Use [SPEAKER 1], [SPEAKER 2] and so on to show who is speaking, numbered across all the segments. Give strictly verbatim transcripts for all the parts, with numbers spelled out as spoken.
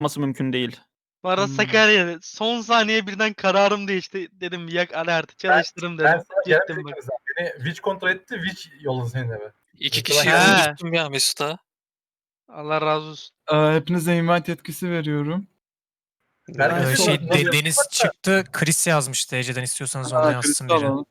[SPEAKER 1] yapması mümkün değil.
[SPEAKER 2] Bu arada
[SPEAKER 3] Hmm.
[SPEAKER 2] Sakarya son saniye birden kararım değişti. Dedim yak alerti çalıştırım
[SPEAKER 4] Ben
[SPEAKER 2] dedim.
[SPEAKER 4] sana
[SPEAKER 2] Gittim
[SPEAKER 4] gelmeyecek
[SPEAKER 2] bak.
[SPEAKER 4] kimse. Beni Witch kontrol etti. Witch yolladı senin eve.
[SPEAKER 5] İki
[SPEAKER 4] Yoksa
[SPEAKER 5] kişiyi
[SPEAKER 2] ben- He.
[SPEAKER 5] öldürttüm ya Mesut'a.
[SPEAKER 2] Allah razı olsun.
[SPEAKER 3] Ee, hepinize invite yetkisi veriyorum.
[SPEAKER 4] Herkes
[SPEAKER 6] Ee,
[SPEAKER 4] nasıl-
[SPEAKER 6] şey
[SPEAKER 4] nasıl
[SPEAKER 6] de-
[SPEAKER 4] yapacak?
[SPEAKER 6] Deniz çıktı. Chris yazmıştı. Ece'den istiyorsanız onu
[SPEAKER 3] Ha,
[SPEAKER 6] yazsın
[SPEAKER 3] kristal
[SPEAKER 6] biri.
[SPEAKER 3] alalım.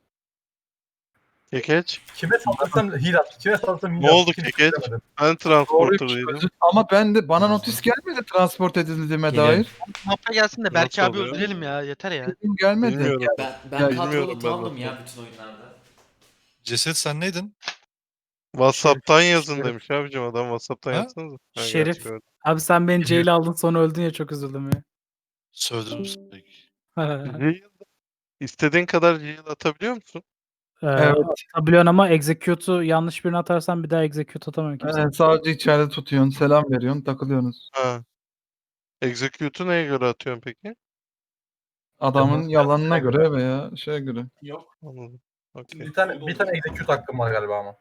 [SPEAKER 7] Kekeç.
[SPEAKER 4] Kime saldırsam heal at. Kime saldırsam heal
[SPEAKER 7] Ne
[SPEAKER 4] at.
[SPEAKER 7] oldu
[SPEAKER 4] Kimse
[SPEAKER 7] Kekeç?
[SPEAKER 4] söylemedi.
[SPEAKER 7] Ben
[SPEAKER 3] Doğru,
[SPEAKER 7] transporterdaydım.
[SPEAKER 3] ama ben de bana notis gelmedi transport edildiğime
[SPEAKER 8] Geliyorum.
[SPEAKER 3] dair.
[SPEAKER 2] Mafya gelsin de Berke
[SPEAKER 7] Nasıl
[SPEAKER 2] abi
[SPEAKER 7] oluyor?
[SPEAKER 2] öldürelim ya yeter ya.
[SPEAKER 3] Benim gelmedi.
[SPEAKER 7] Bilmiyorum.
[SPEAKER 8] Ben, ben
[SPEAKER 3] Ya,
[SPEAKER 8] kadrolu
[SPEAKER 7] bilmiyorum ben
[SPEAKER 8] tamdım
[SPEAKER 7] zaten.
[SPEAKER 8] ya bütün oyunlarda.
[SPEAKER 9] Ceset sen neydin?
[SPEAKER 7] WhatsApp'tan yazın
[SPEAKER 4] Şerif.
[SPEAKER 7] demiş abicim adam WhatsApp'tan
[SPEAKER 9] Ha?
[SPEAKER 7] yazsanıza. Ha,
[SPEAKER 10] Şerif.
[SPEAKER 7] gerçi gördüm.
[SPEAKER 10] Abi sen beni
[SPEAKER 4] Biliyorum.
[SPEAKER 10] jail aldın sonra öldün ya çok üzüldüm ya.
[SPEAKER 9] Sövdüm seni.
[SPEAKER 7] Heal- İstediğin kadar heal atabiliyor musun?
[SPEAKER 10] Ee,
[SPEAKER 3] Evet.
[SPEAKER 10] Atabiliyorsun ama execute'u yanlış birine atarsan bir daha execute atamıyorum kimse.
[SPEAKER 3] Ee, sadece içeride tutuyorsun, selam veriyorsun, takılıyorsunuz.
[SPEAKER 7] Ha. Execute'u neye göre atıyorsun peki?
[SPEAKER 3] Adamın
[SPEAKER 4] Tamam.
[SPEAKER 3] yalanına göre veya şeye göre.
[SPEAKER 7] Anladım. Okey.
[SPEAKER 4] Bir tane, bir tane execute hakkım var galiba ama.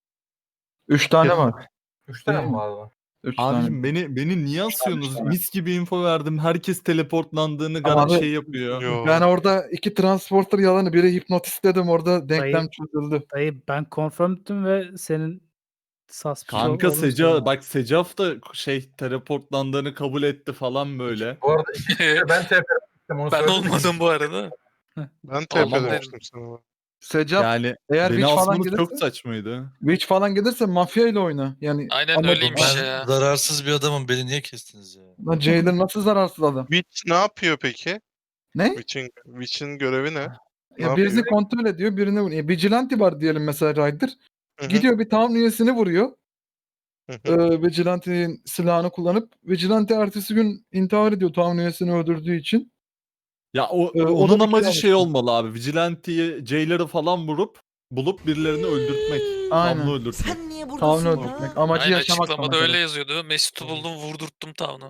[SPEAKER 3] Üç tane
[SPEAKER 4] Kesin.
[SPEAKER 3] var.
[SPEAKER 4] Üç tane
[SPEAKER 3] Değil
[SPEAKER 4] mi
[SPEAKER 3] mi?
[SPEAKER 4] vardı?
[SPEAKER 3] Üç tane.
[SPEAKER 9] Abicim beni beni niye asıyorsunuz? Mis gibi info verdim. Herkes teleportlandığını
[SPEAKER 3] Ama
[SPEAKER 9] gar
[SPEAKER 3] abi-
[SPEAKER 9] şey yapıyor.
[SPEAKER 7] Yo.
[SPEAKER 3] Ben orada iki transporter yalanı, biri hipnotist dedim, orada denklem çözüldü.
[SPEAKER 10] Dayı ben confirmed'tüm ve senin suspicious
[SPEAKER 9] Kanka
[SPEAKER 10] olduğunu
[SPEAKER 9] Seca
[SPEAKER 10] söyledim.
[SPEAKER 9] bak Secaf da şey teleportlandığını kabul etti falan böyle.
[SPEAKER 4] Bu arada iki kere ben T P'den onu
[SPEAKER 5] Ben
[SPEAKER 4] söyledim.
[SPEAKER 5] olmadım bu arada.
[SPEAKER 7] Ben
[SPEAKER 5] Tamam,
[SPEAKER 7] T P demiştim sana.
[SPEAKER 3] Secaf,
[SPEAKER 9] Yani
[SPEAKER 3] eğer
[SPEAKER 9] beni
[SPEAKER 3] Witch falan
[SPEAKER 9] asmanız
[SPEAKER 3] gelirse,
[SPEAKER 9] çok saçmaydı.
[SPEAKER 3] Witch falan gelirse mafya ile oyna. Yani
[SPEAKER 5] Aynen
[SPEAKER 3] ama-
[SPEAKER 5] öyleymiş
[SPEAKER 9] Ben-
[SPEAKER 5] ya.
[SPEAKER 9] Zararsız bir adamım. Beni niye kestiniz ya?
[SPEAKER 3] Lan Jailer nasıl zararsız adam?
[SPEAKER 7] Witch ne yapıyor peki?
[SPEAKER 3] Ne?
[SPEAKER 7] Witch'in Witch'in görevi ne? Ne
[SPEAKER 3] Ya birini
[SPEAKER 7] yapıyor?
[SPEAKER 3] kontrol ediyor, birini vuruyor. E, Vigilante var diyelim mesela Ryder.
[SPEAKER 7] Hı hı,
[SPEAKER 3] Gidiyor bir town üyesini vuruyor.
[SPEAKER 7] hı hı.
[SPEAKER 3] Ee, Vigilante'nin silahını kullanıp, Vigilante ertesi gün intihar ediyor town üyesini öldürdüğü için.
[SPEAKER 9] Ya o
[SPEAKER 3] Ee, o da
[SPEAKER 9] onun
[SPEAKER 3] bir
[SPEAKER 9] amacı
[SPEAKER 3] şey
[SPEAKER 9] şey olmalı abi. Vigilante'yi, Jailer'ı falan vurup bulup birilerini öldürtmek.
[SPEAKER 3] Aynen.
[SPEAKER 9] Tamlı öldürtmek.
[SPEAKER 8] Sen niye
[SPEAKER 3] Town
[SPEAKER 8] buradasın ya?
[SPEAKER 3] öldürtmek. Amacı
[SPEAKER 5] Aynen
[SPEAKER 3] yaşamak.
[SPEAKER 5] açıklamada
[SPEAKER 3] sana
[SPEAKER 5] öyle
[SPEAKER 3] göre.
[SPEAKER 5] yazıyordu. Mesut'u buldum vurdurttum Town'u.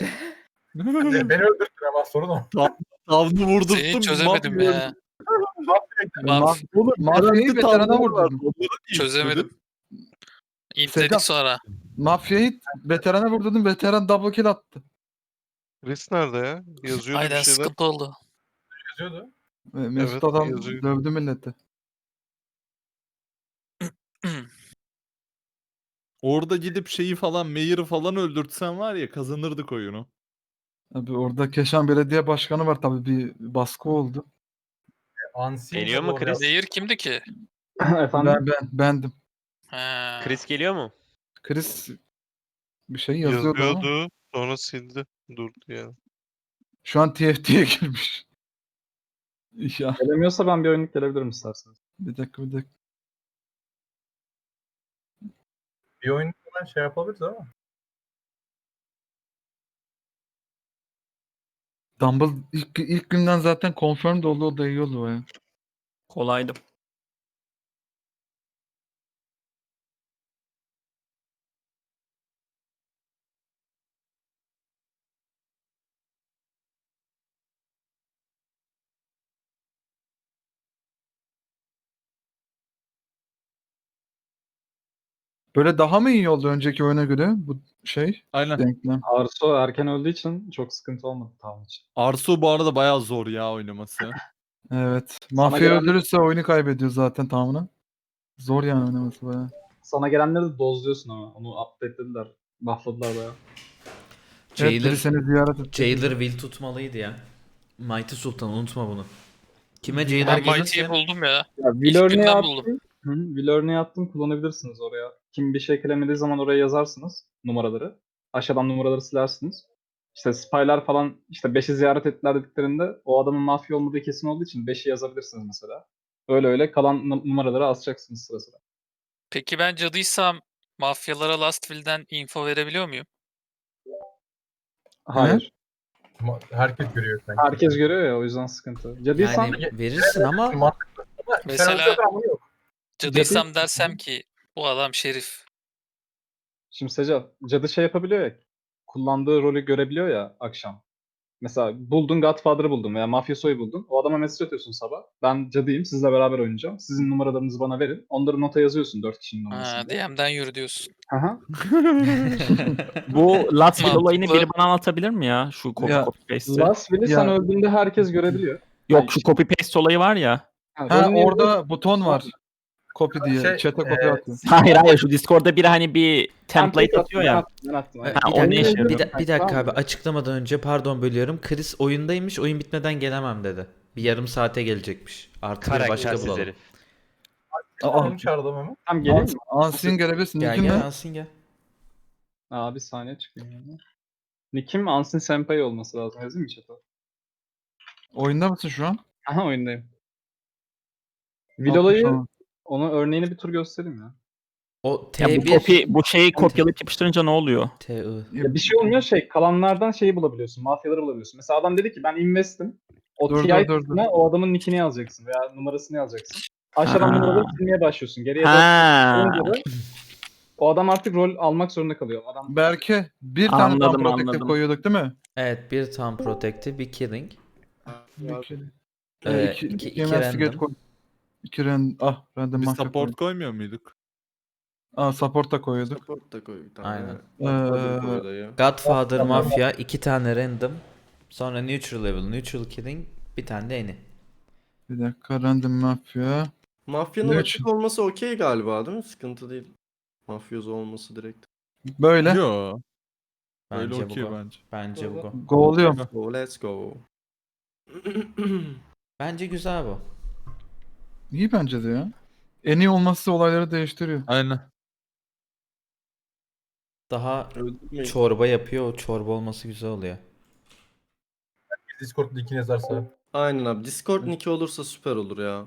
[SPEAKER 4] Beni beni öldürdün ama sorun o.
[SPEAKER 9] Tavlı vurdurttum.
[SPEAKER 5] Seni çözemedim
[SPEAKER 9] mafya
[SPEAKER 5] ya.
[SPEAKER 3] Ma-
[SPEAKER 5] Maf
[SPEAKER 3] Oğlum, mafyayı
[SPEAKER 9] Garanti
[SPEAKER 3] veterana
[SPEAKER 9] tavları var.
[SPEAKER 3] vurdurdum.
[SPEAKER 9] Onları niye
[SPEAKER 5] Çözemedim.
[SPEAKER 9] istedin?
[SPEAKER 5] İntledik
[SPEAKER 3] Sedat.
[SPEAKER 5] sonra.
[SPEAKER 3] Mafyayı veterana vurdurdum. Veteran double kill attı.
[SPEAKER 7] Chris nerede ya? Yazıyordu
[SPEAKER 5] Aynen
[SPEAKER 7] bir şeyler.
[SPEAKER 5] sıkıntı oldu.
[SPEAKER 4] Yazıyordu.
[SPEAKER 3] Ee, Mesut
[SPEAKER 7] Evet,
[SPEAKER 3] adam
[SPEAKER 7] yazıyor.
[SPEAKER 3] dövdü milleti.
[SPEAKER 9] Orada gidip şeyi falan, Mayor'ı falan öldürtsen var ya kazanırdık oyunu.
[SPEAKER 3] Abi orada Keşan Belediye Başkanı var, tabii bir baskı oldu.
[SPEAKER 4] Unseen
[SPEAKER 11] Geliyor
[SPEAKER 4] de
[SPEAKER 11] mu
[SPEAKER 4] doğru
[SPEAKER 11] Chris?
[SPEAKER 4] yazdı.
[SPEAKER 5] Zehir kimdi ki?
[SPEAKER 10] Efendim?
[SPEAKER 3] Ben, ben bendim.
[SPEAKER 5] Ha.
[SPEAKER 11] Chris geliyor mu?
[SPEAKER 3] Chris bir şey yazıyordu, ama
[SPEAKER 7] Yazıyordu. Sonra sildi. Durdu yani.
[SPEAKER 3] şu an T F T'ye girmiş. Ya
[SPEAKER 10] Gelemiyorsa ben bir oyunluk gelebilirim isterseniz.
[SPEAKER 3] bir dakika bir dakika.
[SPEAKER 4] Bir oyun hemen şey yapabiliriz ama.
[SPEAKER 3] Dumble ilk, ilk günden zaten confirmed oldu, o da iyi oldu baya.
[SPEAKER 1] Kolaydı.
[SPEAKER 3] Böyle daha mı iyi oldu önceki oyuna göre bu şey
[SPEAKER 9] Aynen.
[SPEAKER 3] denklem?
[SPEAKER 10] Arso erken öldüğü için çok sıkıntı olmadı tamam için.
[SPEAKER 9] Arsu bu arada bayağı zor ya oynaması.
[SPEAKER 3] Evet. Mafya
[SPEAKER 10] gelen-
[SPEAKER 3] öldürürse oyunu kaybediyor zaten tamamını. Zor yani oynaması baya.
[SPEAKER 10] Sana gelenleri de dozluyorsun ama onu update'lediler. Buffladılar bayağı.
[SPEAKER 3] Evet, biri
[SPEAKER 8] Jailer,
[SPEAKER 3] seni ziyaret etti.
[SPEAKER 8] Jailer will tutmalıydı ya. Mighty Sultan unutma bunu. Kime Jailer
[SPEAKER 5] Ben Mighty'yi
[SPEAKER 8] gelirse
[SPEAKER 5] buldum ya.
[SPEAKER 10] Ya
[SPEAKER 5] İlk
[SPEAKER 10] will örneği
[SPEAKER 5] günden
[SPEAKER 10] attım.
[SPEAKER 5] buldum.
[SPEAKER 10] Hı, will örneği attım kullanabilirsiniz oraya. Kim bir şey eklemediği zaman oraya yazarsınız numaraları. Aşağıdan numaraları silersiniz. İşte spylar falan işte beşi ziyaret ettiler dediklerinde o adamın mafya olmadığı kesin olduğu için beşi yazabilirsiniz mesela. Öyle öyle kalan num- numaraları asacaksınız sıra sıra.
[SPEAKER 5] Peki ben cadıysam mafyalara Last Will'den info verebiliyor muyum?
[SPEAKER 10] Hayır.
[SPEAKER 4] Ama herkes görüyor sanki.
[SPEAKER 10] Herkes görüyor ya o yüzden sıkıntı. Cadıysan
[SPEAKER 8] yani verirsin ama
[SPEAKER 4] Mantıklı. Ama
[SPEAKER 5] Mesela-
[SPEAKER 4] sen öldürdün ama yok.
[SPEAKER 5] Cadıysam dersem ki bu adam şerif.
[SPEAKER 10] şimdi Seca cadı şey yapabiliyor ya kullandığı rolü görebiliyor ya akşam. Mesela buldun Godfather'ı buldun veya Mafioso'yu buldun. O adama mesaj atıyorsun sabah. Ben cadıyım, sizle beraber oynayacağım. Sizin numaralarınızı bana verin. Onları nota yazıyorsun dört kişinin
[SPEAKER 5] Ha,
[SPEAKER 10] numarasını.
[SPEAKER 5] D M'den yürü diyorsun.
[SPEAKER 10] Aha.
[SPEAKER 1] Bu Last Will olayını
[SPEAKER 5] Mantıklı.
[SPEAKER 1] biri bana anlatabilir mi ya? Şu copy
[SPEAKER 3] Ya,
[SPEAKER 1] copy paste'i.
[SPEAKER 10] Last Will'i sen
[SPEAKER 3] Ya.
[SPEAKER 10] öldüğünde herkes görebiliyor.
[SPEAKER 1] Yok şu copy paste olayı var ya.
[SPEAKER 10] Ha,
[SPEAKER 3] Ha
[SPEAKER 10] rolün yerine-
[SPEAKER 3] orada buton var. Copy diye.
[SPEAKER 4] Şey,
[SPEAKER 3] Chat'e copy
[SPEAKER 4] e,
[SPEAKER 3] atıyor.
[SPEAKER 1] Hayır hayır şu Discord'da biri hani bir template atıyor
[SPEAKER 10] Ben
[SPEAKER 1] ya.
[SPEAKER 10] attım, ben attım.
[SPEAKER 8] Ha,
[SPEAKER 10] aynen.
[SPEAKER 1] Ha,
[SPEAKER 8] bir,
[SPEAKER 1] o ne
[SPEAKER 8] dakika,
[SPEAKER 1] işe
[SPEAKER 8] bir,
[SPEAKER 1] yarıyor?
[SPEAKER 8] da- bir dakika
[SPEAKER 10] Tamam
[SPEAKER 8] abi
[SPEAKER 10] mı?
[SPEAKER 8] açıklamadan önce pardon bölüyorum. Chris oyundaymış, oyun bitmeden gelemem dedi. Bir yarım saate gelecekmiş. Artı bir başka
[SPEAKER 11] Karaktersiz
[SPEAKER 8] bulalım.
[SPEAKER 11] herif.
[SPEAKER 3] Aa,
[SPEAKER 4] Benim çağırdım ama.
[SPEAKER 10] Tamam geleyim mi?
[SPEAKER 3] Ansin gelebilirsin.
[SPEAKER 8] Gel
[SPEAKER 3] Nick'in
[SPEAKER 8] gel
[SPEAKER 3] ne?
[SPEAKER 8] alsın gel.
[SPEAKER 10] Aa bir saniye çıkayım. Yani. Nick'im Ansin Senpai olması lazım. Yazayım mı chat'e?
[SPEAKER 3] Oyunda mısın şu an?
[SPEAKER 10] Aha oyundayım. Vilola'yı
[SPEAKER 3] Tamam.
[SPEAKER 10] onu örneğini bir tur göstereyim ya.
[SPEAKER 8] O
[SPEAKER 1] Ya bu
[SPEAKER 8] T bir
[SPEAKER 1] copy bu şeyi kopyalayıp yapıştırınca ne oluyor?
[SPEAKER 8] T I.
[SPEAKER 10] Ya bir şey olmuyor şey kalanlardan şeyi bulabiliyorsun. Mafyaları bulabiliyorsun. Mesela adam dedi ki ben investim. O
[SPEAKER 3] Dur,
[SPEAKER 10] T I
[SPEAKER 3] dur, dur, dur.
[SPEAKER 10] kısmına o adamın nickini yazacaksın veya numarasını yazacaksın. Aşağıdan
[SPEAKER 1] Ha.
[SPEAKER 10] numaraları silmeye başlıyorsun. Geriye doğru
[SPEAKER 1] Ha.
[SPEAKER 10] olunca da o adam artık rol almak zorunda kalıyor. Adam
[SPEAKER 3] Berke bir tane
[SPEAKER 1] Anladım,
[SPEAKER 3] tam protective
[SPEAKER 1] anladım.
[SPEAKER 3] koyuyorduk değil mi?
[SPEAKER 8] Evet bir tam protective bir killing.
[SPEAKER 3] İki,
[SPEAKER 8] Ee,
[SPEAKER 3] iki,
[SPEAKER 8] iki-
[SPEAKER 3] iki
[SPEAKER 8] iki
[SPEAKER 3] investigate
[SPEAKER 8] random.
[SPEAKER 3] koy. İki random. Ah random
[SPEAKER 9] Biz
[SPEAKER 3] mafya
[SPEAKER 9] support
[SPEAKER 3] koyduk.
[SPEAKER 9] koymuyor muyduk?
[SPEAKER 3] Aa support da koyuyorduk.
[SPEAKER 11] Support da koy bir tane.
[SPEAKER 8] Aynen.
[SPEAKER 3] Ee,
[SPEAKER 11] koy da ya.
[SPEAKER 8] Godfather Mafia iki tane random. Sonra neutral level, neutral killing, bir tane de eni.
[SPEAKER 3] Bir dakika random mafya.
[SPEAKER 11] Mafyanın
[SPEAKER 3] Ne
[SPEAKER 11] açık
[SPEAKER 3] için?
[SPEAKER 11] olması okey galiba değil mi? Sıkıntı değil. Mafyoz olması direkt.
[SPEAKER 3] Böyle.
[SPEAKER 9] Yo. Öyle
[SPEAKER 8] Bence
[SPEAKER 9] okey
[SPEAKER 8] bu.
[SPEAKER 9] bence.
[SPEAKER 8] Bence bu.
[SPEAKER 3] Go'luyorum.
[SPEAKER 11] Go, let's go.
[SPEAKER 8] Bence güzel bu.
[SPEAKER 3] İyi bence de ya. En iyi olması olayları değiştiriyor.
[SPEAKER 9] Aynen.
[SPEAKER 8] Daha
[SPEAKER 11] Öldürmeyin.
[SPEAKER 8] çorba yapıyor, o çorba olması güzel oluyor.
[SPEAKER 4] Discord linkini yazarsa.
[SPEAKER 11] Aynen abi. Discord nick'i olursa süper olur ya.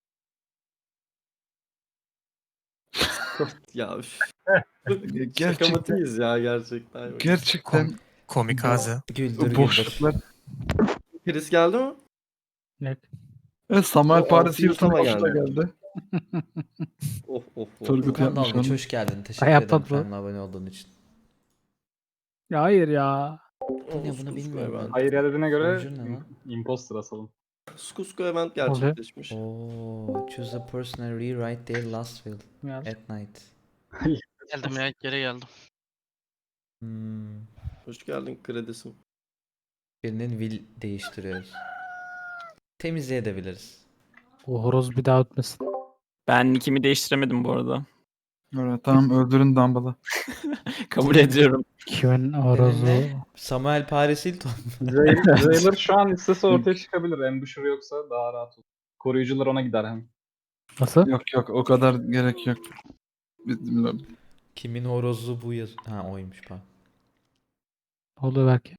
[SPEAKER 11] ya üf.
[SPEAKER 3] Gerçekten-
[SPEAKER 11] Şakamatıyız ya gerçekten.
[SPEAKER 3] Gerçekten
[SPEAKER 6] Komik ağzı.
[SPEAKER 8] Güldür güldür.
[SPEAKER 3] boşluklar.
[SPEAKER 11] Chris geldi mi?
[SPEAKER 3] Evet, Samuel
[SPEAKER 11] O
[SPEAKER 3] Paris
[SPEAKER 11] altı
[SPEAKER 3] Hilton
[SPEAKER 11] yutama
[SPEAKER 3] hoş da
[SPEAKER 11] geldi.
[SPEAKER 3] geldi.
[SPEAKER 11] Of of of.
[SPEAKER 3] Turgut
[SPEAKER 8] Furkan
[SPEAKER 3] yapmış
[SPEAKER 8] Dalgıç
[SPEAKER 3] onu.
[SPEAKER 8] hoş geldin. Teşekkür
[SPEAKER 12] Ay,
[SPEAKER 8] ederim
[SPEAKER 12] yapma bro.
[SPEAKER 8] kanala abone olduğun için.
[SPEAKER 12] Ya hayır ya.
[SPEAKER 8] Ne bunu bilmiyorum ben.
[SPEAKER 10] hayır ya dediğine göre
[SPEAKER 8] Sonucu ne lan?
[SPEAKER 10] imposter asalım.
[SPEAKER 11] Skusko event gerçekleşmiş.
[SPEAKER 8] Oo, choose a person and rewrite their last will
[SPEAKER 12] Ya.
[SPEAKER 8] at night.
[SPEAKER 2] Geldim ya geri geldim.
[SPEAKER 8] Hmm.
[SPEAKER 11] Hoş geldin kredisim.
[SPEAKER 8] Birinin will değiştiriyoruz. Temizleyebiliriz.
[SPEAKER 12] O horoz bir daha ötmesin.
[SPEAKER 1] Ben nickimi değiştiremedim bu arada.
[SPEAKER 3] Evet, tamam öldürün Dumble'ı.
[SPEAKER 1] Kabul ediyorum.
[SPEAKER 12] Kimin horozu?
[SPEAKER 8] Ne? Samuel Paris Hilton.
[SPEAKER 10] Jailer şu an istese ortaya çıkabilir. Ambusher yoksa daha rahat olur. Koruyucular ona gider hem.
[SPEAKER 12] Nasıl?
[SPEAKER 3] Yok yok o kadar gerek yok. Bilmiyorum.
[SPEAKER 8] Kimin horozu bu yaz... Ha oymuş pardon.
[SPEAKER 12] Ne oluyor belki?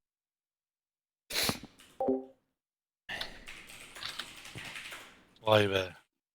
[SPEAKER 7] Vay be.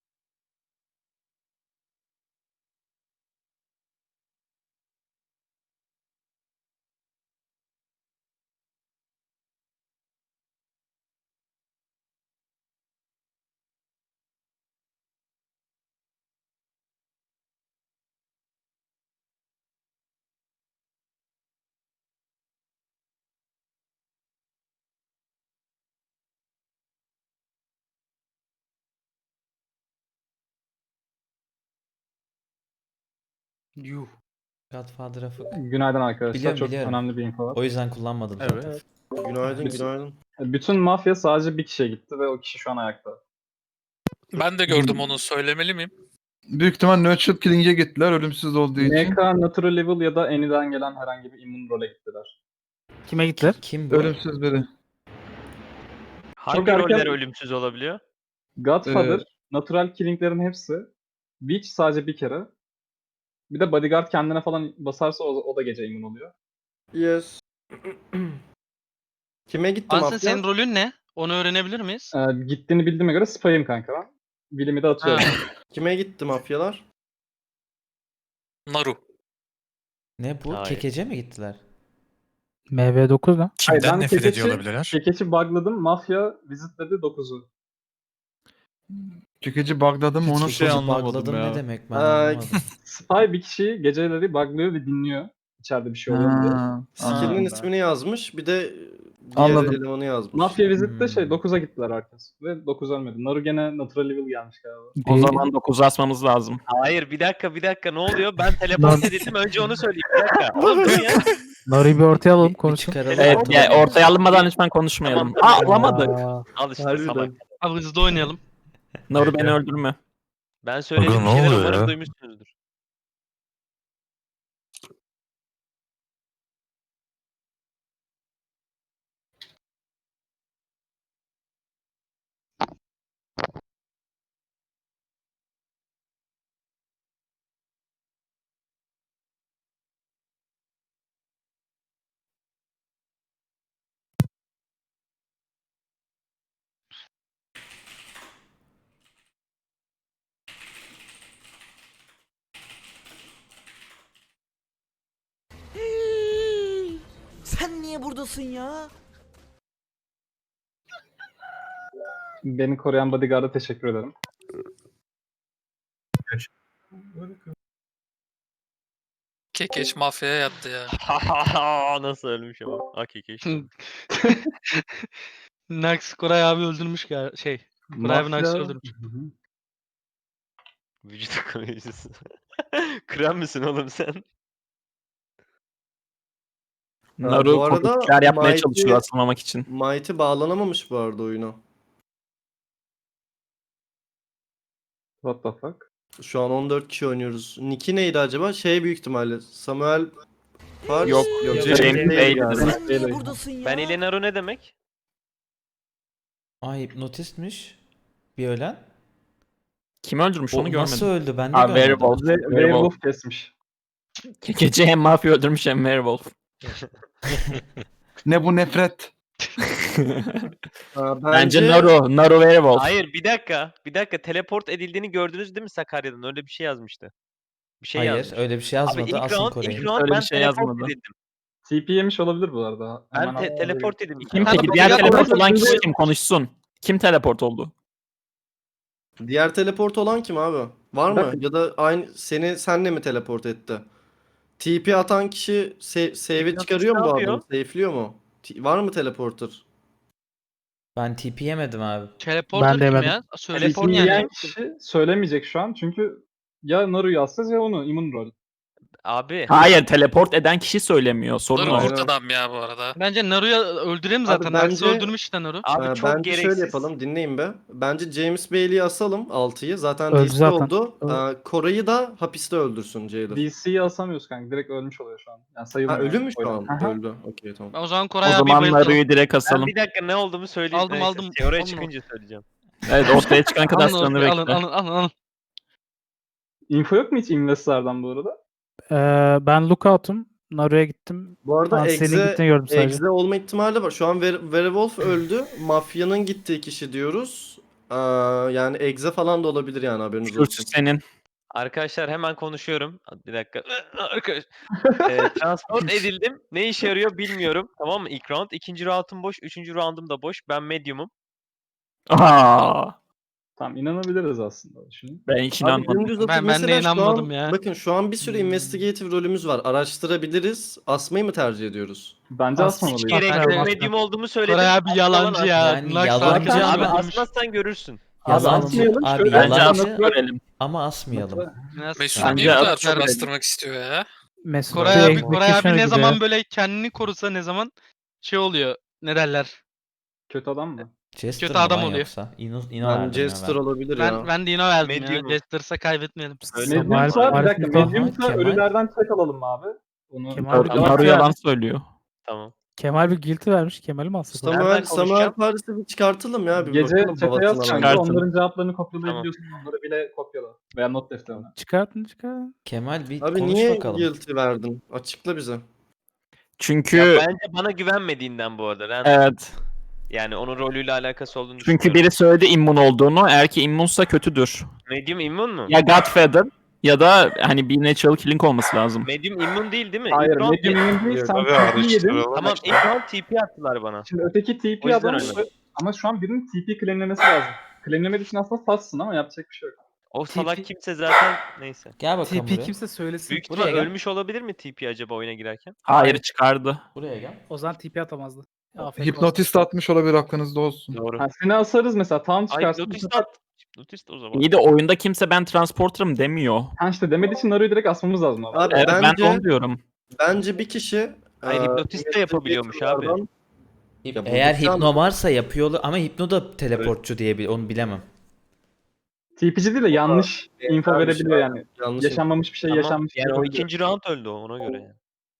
[SPEAKER 8] Yuh. Godfather Afık.
[SPEAKER 10] Günaydın arkadaşlar.
[SPEAKER 8] Biliyorum,
[SPEAKER 10] Çok
[SPEAKER 8] biliyorum.
[SPEAKER 10] önemli bir info var.
[SPEAKER 8] O yüzden kullanmadım zaten.
[SPEAKER 9] Evet.
[SPEAKER 11] Günaydın
[SPEAKER 10] Biz-
[SPEAKER 11] günaydın.
[SPEAKER 10] Bütün mafya sadece bir kişiye gitti ve o kişi şu an ayakta.
[SPEAKER 5] Ben de gördüm onu. Söylemeli miyim?
[SPEAKER 3] Büyük ihtimal Nurtured Killing'e gittiler ölümsüz olduğu için.
[SPEAKER 10] N K, Natural Level ya da Any'den gelen herhangi bir immün role gittiler.
[SPEAKER 12] Kime gittiler?
[SPEAKER 8] Kim bu?
[SPEAKER 3] Ölümsüz biri.
[SPEAKER 10] Hangi Çok erken- roller
[SPEAKER 11] ölümsüz olabiliyor?
[SPEAKER 10] Godfather,
[SPEAKER 3] Ee,
[SPEAKER 10] Natural Killing'lerin hepsi. Witch sadece bir kere. Bir de Bodyguard kendine falan basarsa o, o da gece immün oluyor.
[SPEAKER 11] Yes. Kime gitti
[SPEAKER 2] Ansin
[SPEAKER 11] mafya?
[SPEAKER 2] senin rolün ne? Onu öğrenebilir miyiz?
[SPEAKER 10] Ee, gittiğini bildiğime göre spy'ım kanka ben. Will'imi de atıyorum.
[SPEAKER 2] Ha.
[SPEAKER 11] Kime gitti mafyalar?
[SPEAKER 5] Naru.
[SPEAKER 8] Ne bu?
[SPEAKER 11] Hayır.
[SPEAKER 8] Kekece mi gittiler?
[SPEAKER 12] M V dokuz ne?
[SPEAKER 10] Hayır,
[SPEAKER 6] Kimden
[SPEAKER 10] ben
[SPEAKER 6] nefret
[SPEAKER 10] kekeçi-
[SPEAKER 6] ediyor olabilirler?
[SPEAKER 10] Kekeç'i bugladım. Mafya visitledi dokuzu.
[SPEAKER 3] Çekici bugladım onu
[SPEAKER 9] Hiçbir şey
[SPEAKER 8] Kekeci
[SPEAKER 9] anlamadım
[SPEAKER 8] bugladım
[SPEAKER 9] ya.
[SPEAKER 8] ne demek ben
[SPEAKER 11] Ay.
[SPEAKER 8] anlamadım.
[SPEAKER 10] Spy bir kişiyi geceleri buglıyor ve dinliyor. İçeride bir şey oluyor mu diye.
[SPEAKER 3] Ha,
[SPEAKER 11] Skill'inin
[SPEAKER 3] anladım.
[SPEAKER 11] ismini yazmış. Bir de diğer
[SPEAKER 3] Anladım.
[SPEAKER 11] elemanı yazmış.
[SPEAKER 10] Mafya Visit'te şey
[SPEAKER 8] Hmm.
[SPEAKER 10] dokuza gittiler herkes. Ve dokuz ölmedi. Naru gene Natural Level gelmiş galiba.
[SPEAKER 1] O
[SPEAKER 12] Değil.
[SPEAKER 1] zaman dokuzu asmamız lazım.
[SPEAKER 2] Hayır bir dakika bir dakika ne oluyor? Ben teleport edildim önce onu söyleyeyim bir dakika. Oğlum dur ya.
[SPEAKER 12] Naru'yu bir ortaya alalım
[SPEAKER 8] Bir
[SPEAKER 12] konuşun.
[SPEAKER 8] çıkaralım.
[SPEAKER 1] Evet,
[SPEAKER 8] ortalığı.
[SPEAKER 1] yani ortaya alınmadan lütfen konuşmayalım.
[SPEAKER 2] Tamam,
[SPEAKER 1] Aa, alamadık.
[SPEAKER 12] Aa,
[SPEAKER 2] Al işte
[SPEAKER 11] Harbiden.
[SPEAKER 2] salak. Abi hızlı oynayalım.
[SPEAKER 1] Naru beni öldürme.
[SPEAKER 2] Ben söylediğim
[SPEAKER 7] Aga, ne
[SPEAKER 2] şeyleri
[SPEAKER 7] oluyor
[SPEAKER 2] umarım
[SPEAKER 7] ya?
[SPEAKER 2] duymuşsunuzdur.
[SPEAKER 8] Sen niye buradasın ya?
[SPEAKER 10] Beni koruyan bodyguard'a teşekkür ederim.
[SPEAKER 5] Kekeç mafyaya yattı ya.
[SPEAKER 2] Nasıl ölmüş ama. Hakiki işte. Nax Koray abi öldürmüş ya şey. Koray abi Nax'ı öldürmüş.
[SPEAKER 10] Hı hı.
[SPEAKER 2] Vücut koruyucusu. Krem misin oğlum sen?
[SPEAKER 1] Naru
[SPEAKER 11] bu arada
[SPEAKER 1] komikler yapmaya
[SPEAKER 11] Mighty-
[SPEAKER 1] çalışıyor asılmamak için.
[SPEAKER 11] Mighty bağlanamamış bu arada oyuna.
[SPEAKER 10] What the fuck?
[SPEAKER 11] Şu an on dört kişi oynuyoruz. Nick'i neydi acaba? Şey büyük ihtimalle. Samuel Pars.
[SPEAKER 1] Yok,
[SPEAKER 11] James
[SPEAKER 1] James
[SPEAKER 11] Bale
[SPEAKER 1] Bale.
[SPEAKER 11] yani.
[SPEAKER 8] Sen niye
[SPEAKER 10] Beyler.
[SPEAKER 8] buradasın ya?
[SPEAKER 2] Ben ile Naru ne demek?
[SPEAKER 8] Ay hipnotistmiş. Bir ölen.
[SPEAKER 1] Kim öldürmüş
[SPEAKER 8] O
[SPEAKER 1] onu görmedim.
[SPEAKER 8] nasıl öldü? Ben de
[SPEAKER 1] Ha,
[SPEAKER 8] görmedim.
[SPEAKER 1] Werewolf.
[SPEAKER 10] Ve
[SPEAKER 1] Werewolf.
[SPEAKER 10] Werewolf kesmiş.
[SPEAKER 1] Gece hem mafya öldürmüş hem werewolf.
[SPEAKER 3] Ne bu nefret?
[SPEAKER 11] Ha,
[SPEAKER 1] Bence Naru. Naru werewolf.
[SPEAKER 2] Hayır bir dakika. Bir dakika teleport edildiğini gördünüz değil mi Sakarya'dan? Öyle bir şey yazmıştı. Bir şey
[SPEAKER 8] Hayır
[SPEAKER 2] yazmış.
[SPEAKER 8] öyle bir şey
[SPEAKER 2] Abi
[SPEAKER 8] yazmadı.
[SPEAKER 2] ilk
[SPEAKER 8] Asıl
[SPEAKER 2] round,
[SPEAKER 8] Kore'yi.
[SPEAKER 2] ilk round
[SPEAKER 1] Öyle bir
[SPEAKER 2] ben
[SPEAKER 1] şey
[SPEAKER 2] teleport
[SPEAKER 1] yazmadı.
[SPEAKER 2] edildim.
[SPEAKER 10] T P yemiş olabilir bu arada.
[SPEAKER 2] Ben
[SPEAKER 10] Hemen
[SPEAKER 2] te-
[SPEAKER 10] al-
[SPEAKER 2] teleport edildim.
[SPEAKER 1] Kim
[SPEAKER 2] Ha,
[SPEAKER 1] peki?
[SPEAKER 2] bak,
[SPEAKER 1] Diğer
[SPEAKER 2] ya-
[SPEAKER 1] teleport
[SPEAKER 10] bak-
[SPEAKER 1] olan
[SPEAKER 10] bak-
[SPEAKER 1] kişi kim? Konuşsun. Kim teleport oldu?
[SPEAKER 11] Diğer teleport olan kim abi? Var mı?
[SPEAKER 10] Bakın.
[SPEAKER 11] Ya da aynı seni senle mi teleport etti? T P atan kişi se- save'i
[SPEAKER 2] T P
[SPEAKER 11] çıkarıyor mu
[SPEAKER 2] atan
[SPEAKER 11] bu
[SPEAKER 2] kişi ne
[SPEAKER 11] adamı? Safe'liyor mu? T- var mı teleporter?
[SPEAKER 8] Ben T P yemedim abi.
[SPEAKER 2] Teleporter
[SPEAKER 12] Ben de
[SPEAKER 2] kim
[SPEAKER 12] yemedim.
[SPEAKER 2] ya?
[SPEAKER 10] T
[SPEAKER 2] Teleport
[SPEAKER 10] P
[SPEAKER 2] yani.
[SPEAKER 10] yiyen kişi söylemeyecek şu an çünkü ya Naru'yu asacağız ya onu immün rol.
[SPEAKER 2] Abi.
[SPEAKER 1] Hayır, teleport eden kişi söylemiyor. Sorun
[SPEAKER 5] Dur
[SPEAKER 1] o.
[SPEAKER 11] Aynen.
[SPEAKER 5] kurt adam ya bu arada.
[SPEAKER 2] Bence Naru'ya öldürelim
[SPEAKER 11] Abi
[SPEAKER 2] zaten.
[SPEAKER 11] bence-
[SPEAKER 2] Nax'ı öldürmüş işte Naru. Abi
[SPEAKER 11] Ee,
[SPEAKER 2] çok
[SPEAKER 11] bence
[SPEAKER 2] gereksiz.
[SPEAKER 11] şöyle yapalım, dinleyin be. Bence James Bailey'i asalım altıyı. Zaten
[SPEAKER 12] Öldü
[SPEAKER 11] D C
[SPEAKER 12] zaten.
[SPEAKER 11] oldu. Ee, Koray'ı da hapiste öldürsün Jailer.
[SPEAKER 10] D C'yi asamıyoruz kanka. Direkt ölmüş oluyor şu an. Yani
[SPEAKER 11] Ha
[SPEAKER 10] sayılmıyor.
[SPEAKER 11] ölü mü şu
[SPEAKER 10] Oyun.
[SPEAKER 11] an?
[SPEAKER 10] Aha.
[SPEAKER 11] Öldü. Okey tamam.
[SPEAKER 2] O zaman
[SPEAKER 1] O
[SPEAKER 2] Koray abi
[SPEAKER 1] zaman
[SPEAKER 2] bayıltalım.
[SPEAKER 1] Naru'yu direkt
[SPEAKER 2] Ben
[SPEAKER 1] asalım.
[SPEAKER 2] bir dakika ne olduğumu söyleyeyim.
[SPEAKER 1] Aldım,
[SPEAKER 2] Neyse,
[SPEAKER 1] aldım.
[SPEAKER 2] Oraya
[SPEAKER 1] Aldım.
[SPEAKER 2] çıkınca söyleyeceğim.
[SPEAKER 1] Evet, ortaya çıkan kadar
[SPEAKER 2] Alın,
[SPEAKER 1] sıranı
[SPEAKER 2] alın, alın,
[SPEAKER 1] bekle.
[SPEAKER 2] alın, alın, alın.
[SPEAKER 10] Info yok mu hiç Investor'dan bu arada?
[SPEAKER 12] Ee, ben lookout'um. Naru'ya gittim.
[SPEAKER 11] Bu arada
[SPEAKER 12] Ansel'in
[SPEAKER 11] Exe,
[SPEAKER 12] gittiğini gördüm sadece.
[SPEAKER 11] Exe olma ihtimali var. Şu an Were- Werewolf öldü. Mafyanın gittiği kişi diyoruz. Ee, yani Exe falan da olabilir yani haberiniz
[SPEAKER 1] Suç
[SPEAKER 11] olsun.
[SPEAKER 1] senin.
[SPEAKER 2] Arkadaşlar hemen konuşuyorum. Bir dakika. Arkadaş. Ee, transport edildim. Ne işe yarıyor bilmiyorum. Tamam mı? İlk round. İkinci roundum boş. Üçüncü roundum da boş. Ben medium'um.
[SPEAKER 1] Aa,
[SPEAKER 10] Tamam inanabiliriz aslında. Düşünün.
[SPEAKER 1] ben hiç
[SPEAKER 11] Abi
[SPEAKER 1] inanmadım.
[SPEAKER 11] dümdüz atıp
[SPEAKER 2] Ben- ben de
[SPEAKER 11] mesela şu an-
[SPEAKER 2] inanmadım ya.
[SPEAKER 11] Bakın şu an bir sürü investigative rolümüz var. Araştırabiliriz. Asmayı mı tercih ediyoruz?
[SPEAKER 10] Bence
[SPEAKER 12] As-
[SPEAKER 2] Hiç
[SPEAKER 10] asmamalıyız.
[SPEAKER 2] gerek
[SPEAKER 12] Ben
[SPEAKER 2] yok.
[SPEAKER 12] de-
[SPEAKER 2] Medium olduğumu söyledim.
[SPEAKER 13] Koray abi
[SPEAKER 2] Aslan
[SPEAKER 13] yalancı
[SPEAKER 2] lan.
[SPEAKER 13] ya.
[SPEAKER 8] Yani
[SPEAKER 13] Nax
[SPEAKER 8] yalancı
[SPEAKER 13] arkadaş
[SPEAKER 2] Abi
[SPEAKER 8] ama-
[SPEAKER 13] öldürmüş.
[SPEAKER 2] asmazsan görürsün.
[SPEAKER 8] Yalancı
[SPEAKER 10] asmayalım,
[SPEAKER 8] abi
[SPEAKER 10] şöyle-
[SPEAKER 1] Bence
[SPEAKER 8] yalancı
[SPEAKER 1] asıp görelim.
[SPEAKER 8] ama asmayalım.
[SPEAKER 5] Mesut
[SPEAKER 1] Bence
[SPEAKER 5] niye bu kadar
[SPEAKER 1] atlar
[SPEAKER 5] çok
[SPEAKER 1] dedim.
[SPEAKER 5] bastırmak istiyor ya?
[SPEAKER 12] Mesut
[SPEAKER 13] Koray
[SPEAKER 12] bir
[SPEAKER 13] abi,
[SPEAKER 12] executioner
[SPEAKER 13] Koray abi ne
[SPEAKER 12] gibi
[SPEAKER 13] zaman
[SPEAKER 12] ya.
[SPEAKER 13] böyle kendini korusa ne zaman şey oluyor. Ne derler?
[SPEAKER 10] Kötü adam mı?
[SPEAKER 8] Jester
[SPEAKER 13] Kötü
[SPEAKER 8] mı
[SPEAKER 13] adam
[SPEAKER 8] lan
[SPEAKER 13] oluyor.
[SPEAKER 8] Yoksa? İno, Ino
[SPEAKER 11] Ben
[SPEAKER 8] verdim
[SPEAKER 11] Jester
[SPEAKER 8] ya
[SPEAKER 11] olabilir ya.
[SPEAKER 13] Ben ben de yine verdim
[SPEAKER 2] Medium.
[SPEAKER 13] ya. Jester'sa kaybetmeyelim.
[SPEAKER 2] Öyle
[SPEAKER 10] Medium'sa
[SPEAKER 12] Kemal-
[SPEAKER 10] bir dakika.
[SPEAKER 12] Kemal-
[SPEAKER 10] Medium'sa
[SPEAKER 8] Kemal-
[SPEAKER 10] ölülerden check alalım mı abi? Onu
[SPEAKER 12] Kemal-
[SPEAKER 1] Naru, Naru yalan söylüyor.
[SPEAKER 2] Tamam.
[SPEAKER 12] Kemal bir guilty vermiş. Kemal'i mi alsak?
[SPEAKER 2] Nereden
[SPEAKER 11] Samuel, Samuel
[SPEAKER 2] konuşacağım?
[SPEAKER 11] Paris'i bir çıkartalım ya. Bir
[SPEAKER 10] Gece
[SPEAKER 11] bakalım
[SPEAKER 10] chat'e
[SPEAKER 11] babasına
[SPEAKER 10] yaz
[SPEAKER 11] lan.
[SPEAKER 10] kanka.
[SPEAKER 1] Çıkartın.
[SPEAKER 10] Onların cevaplarını kopyalayabiliyorsun. Onları bile kopyala. Veya not defterine.
[SPEAKER 12] Çıkartın çıkartın.
[SPEAKER 8] Kemal bir
[SPEAKER 11] Abi
[SPEAKER 8] konuş
[SPEAKER 11] niye
[SPEAKER 8] bakalım.
[SPEAKER 11] guilty verdin? Açıkla bize.
[SPEAKER 1] Çünkü
[SPEAKER 2] Ya bence bana güvenmediğinden bu arada. Ben,
[SPEAKER 1] evet.
[SPEAKER 2] Yani onun rolüyle alakası olduğunu
[SPEAKER 1] Çünkü
[SPEAKER 2] düşünüyorum.
[SPEAKER 1] biri söyledi immun olduğunu. Eğer ki immunsa kötüdür.
[SPEAKER 2] Medium immun mu?
[SPEAKER 1] Ya Godfather ya da hani bir natural killing olması lazım.
[SPEAKER 2] Medium immun değil değil mi?
[SPEAKER 10] Hayır,
[SPEAKER 2] İlk round-
[SPEAKER 10] medium emin değil.
[SPEAKER 11] Yok,
[SPEAKER 10] Sen
[SPEAKER 7] Tabii
[SPEAKER 10] T P yedin.
[SPEAKER 7] araştıralım.
[SPEAKER 2] Tamam ilk round T P attılar bana.
[SPEAKER 10] Şimdi öteki T
[SPEAKER 2] O
[SPEAKER 10] P
[SPEAKER 2] yüzden
[SPEAKER 10] adam
[SPEAKER 2] öyle.
[SPEAKER 10] ama şu an birinin T P claimlemesi lazım. Claimlemediği için aslında sassın ama yapacak bir şey yok.
[SPEAKER 2] O salak kimse zaten neyse.
[SPEAKER 8] Gel bakalım
[SPEAKER 12] T P
[SPEAKER 8] buraya.
[SPEAKER 12] kimse söylesin.
[SPEAKER 2] Büyük
[SPEAKER 8] Buraya
[SPEAKER 2] ihtimal
[SPEAKER 8] gel.
[SPEAKER 2] ölmüş olabilir mi T P acaba oyuna girerken?
[SPEAKER 1] Hayır çıkardı.
[SPEAKER 8] Buraya gel.
[SPEAKER 12] O zaman T P atamazdı. Afk olsun.
[SPEAKER 3] Hipnotist atmış olabilir, aklınızda olsun.
[SPEAKER 2] Doğru.
[SPEAKER 10] Ha, seni asarız mesela. Tam
[SPEAKER 2] Ay
[SPEAKER 10] çıkarsın. bu
[SPEAKER 2] hipnotist
[SPEAKER 10] sefer-
[SPEAKER 2] at. Hipnotist o zaman.
[SPEAKER 1] İyi de oyunda kimse ben transporter'ım demiyor.
[SPEAKER 10] Ha işte demediği için Naru'yu direkt asmamız lazım. Abi.
[SPEAKER 11] Abi
[SPEAKER 1] Evet ben
[SPEAKER 11] bence
[SPEAKER 1] de onu diyorum.
[SPEAKER 11] bence bir kişi
[SPEAKER 2] Hayır,
[SPEAKER 11] eee,
[SPEAKER 2] hipnotist de yapabiliyormuş abi.
[SPEAKER 11] investigator'lardan-
[SPEAKER 8] Hip-
[SPEAKER 11] Ya bu
[SPEAKER 8] Eğer
[SPEAKER 11] şu an-
[SPEAKER 8] hipno varsa yapıyor olur- ama hipno da teleportçu diye bil- onu bilemem.
[SPEAKER 10] T P G değil de yanlış info
[SPEAKER 11] benzer bir
[SPEAKER 10] verebiliyor
[SPEAKER 11] şey,
[SPEAKER 10] yani.
[SPEAKER 11] Yanlış.
[SPEAKER 10] Yaşanmamış bir şey
[SPEAKER 2] Tamam.
[SPEAKER 10] yaşanmış.
[SPEAKER 2] Yani o
[SPEAKER 10] yapabiliyor.
[SPEAKER 2] ikinci round öldü o, ona göre yani.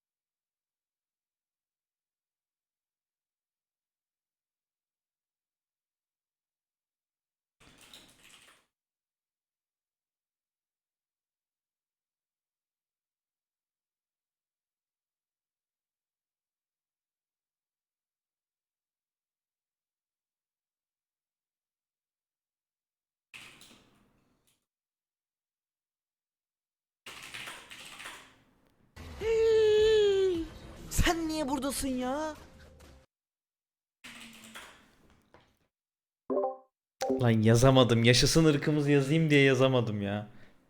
[SPEAKER 8] Sen niye buradasın ya? Lan yazamadım. Yaşasın ırkımız yazayım diye yazamadım ya.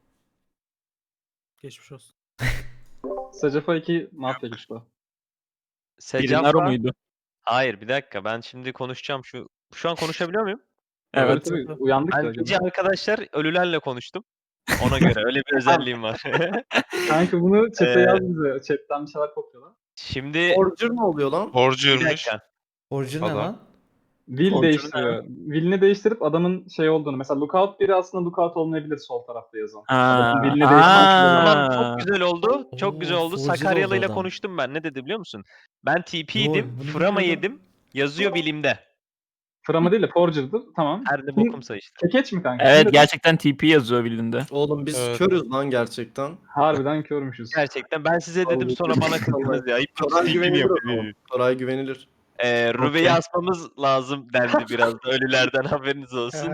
[SPEAKER 12] Geçmiş olsun.
[SPEAKER 10] Sacafa iki mafya güçlü.
[SPEAKER 1] Biri Naru
[SPEAKER 2] Secafa.
[SPEAKER 1] muydu?
[SPEAKER 2] Hayır bir dakika ben şimdi konuşacağım şu. Şu an konuşabiliyor muyum?
[SPEAKER 1] Evet.
[SPEAKER 10] Tabii, tabii, uyandık
[SPEAKER 2] Ben
[SPEAKER 10] ya.
[SPEAKER 2] gece arkadaşlar ölülerle konuştum. Ona göre öyle bir özelliğim var.
[SPEAKER 10] Kanka bunu chat'e
[SPEAKER 2] Ee,
[SPEAKER 10] yaz bize. Chat'ten bir şeyler kopyala.
[SPEAKER 2] Şimdi
[SPEAKER 11] Forger ne oluyor lan?
[SPEAKER 2] bir
[SPEAKER 7] Borcuymuş.
[SPEAKER 2] dakika.
[SPEAKER 8] Orijin ne
[SPEAKER 7] Adam.
[SPEAKER 8] lan?
[SPEAKER 10] Will
[SPEAKER 1] Fortune
[SPEAKER 10] değiştiriyor. Will'ini değiştirip adamın şey olduğunu. Mesela lookout biri aslında lookout olmayabilir sol tarafta yazan. Adamın
[SPEAKER 1] Aa,
[SPEAKER 10] will'ini değiştirmek
[SPEAKER 2] Tamam
[SPEAKER 1] aa.
[SPEAKER 2] çok güzel oldu. Çok güzel
[SPEAKER 8] Oo,
[SPEAKER 2] oldu.
[SPEAKER 8] forger
[SPEAKER 2] Sakaryalı
[SPEAKER 8] oldu
[SPEAKER 2] ile
[SPEAKER 8] adam.
[SPEAKER 2] konuştum ben. Ne dedi biliyor musun? Ben T
[SPEAKER 8] Lol,
[SPEAKER 2] P'ydim.
[SPEAKER 8] bunu
[SPEAKER 2] Frama
[SPEAKER 8] bilmiyordum.
[SPEAKER 2] yedim. Yazıyor bilimde.
[SPEAKER 10] Frama değil de Forger'dır. Tamam.
[SPEAKER 2] Her ne
[SPEAKER 10] Kim-
[SPEAKER 2] bokumsa işte.
[SPEAKER 10] Kekeç mi kanka?
[SPEAKER 1] Evet
[SPEAKER 10] Kim dedi?
[SPEAKER 1] gerçekten T P yazıyor bildiğinde.
[SPEAKER 11] Oğlum biz
[SPEAKER 7] Evet.
[SPEAKER 11] körüz lan gerçekten.
[SPEAKER 10] Harbiden körmüşüz.
[SPEAKER 2] Gerçekten ben size dedim sonra bana kızdınız ya.
[SPEAKER 11] Koray güvenilir o zaman.
[SPEAKER 2] Hipnotist
[SPEAKER 11] Koray güvenilir.
[SPEAKER 2] Ee, Ruve'yi asmamız lazım dendi biraz da ölülerden haberiniz olsun.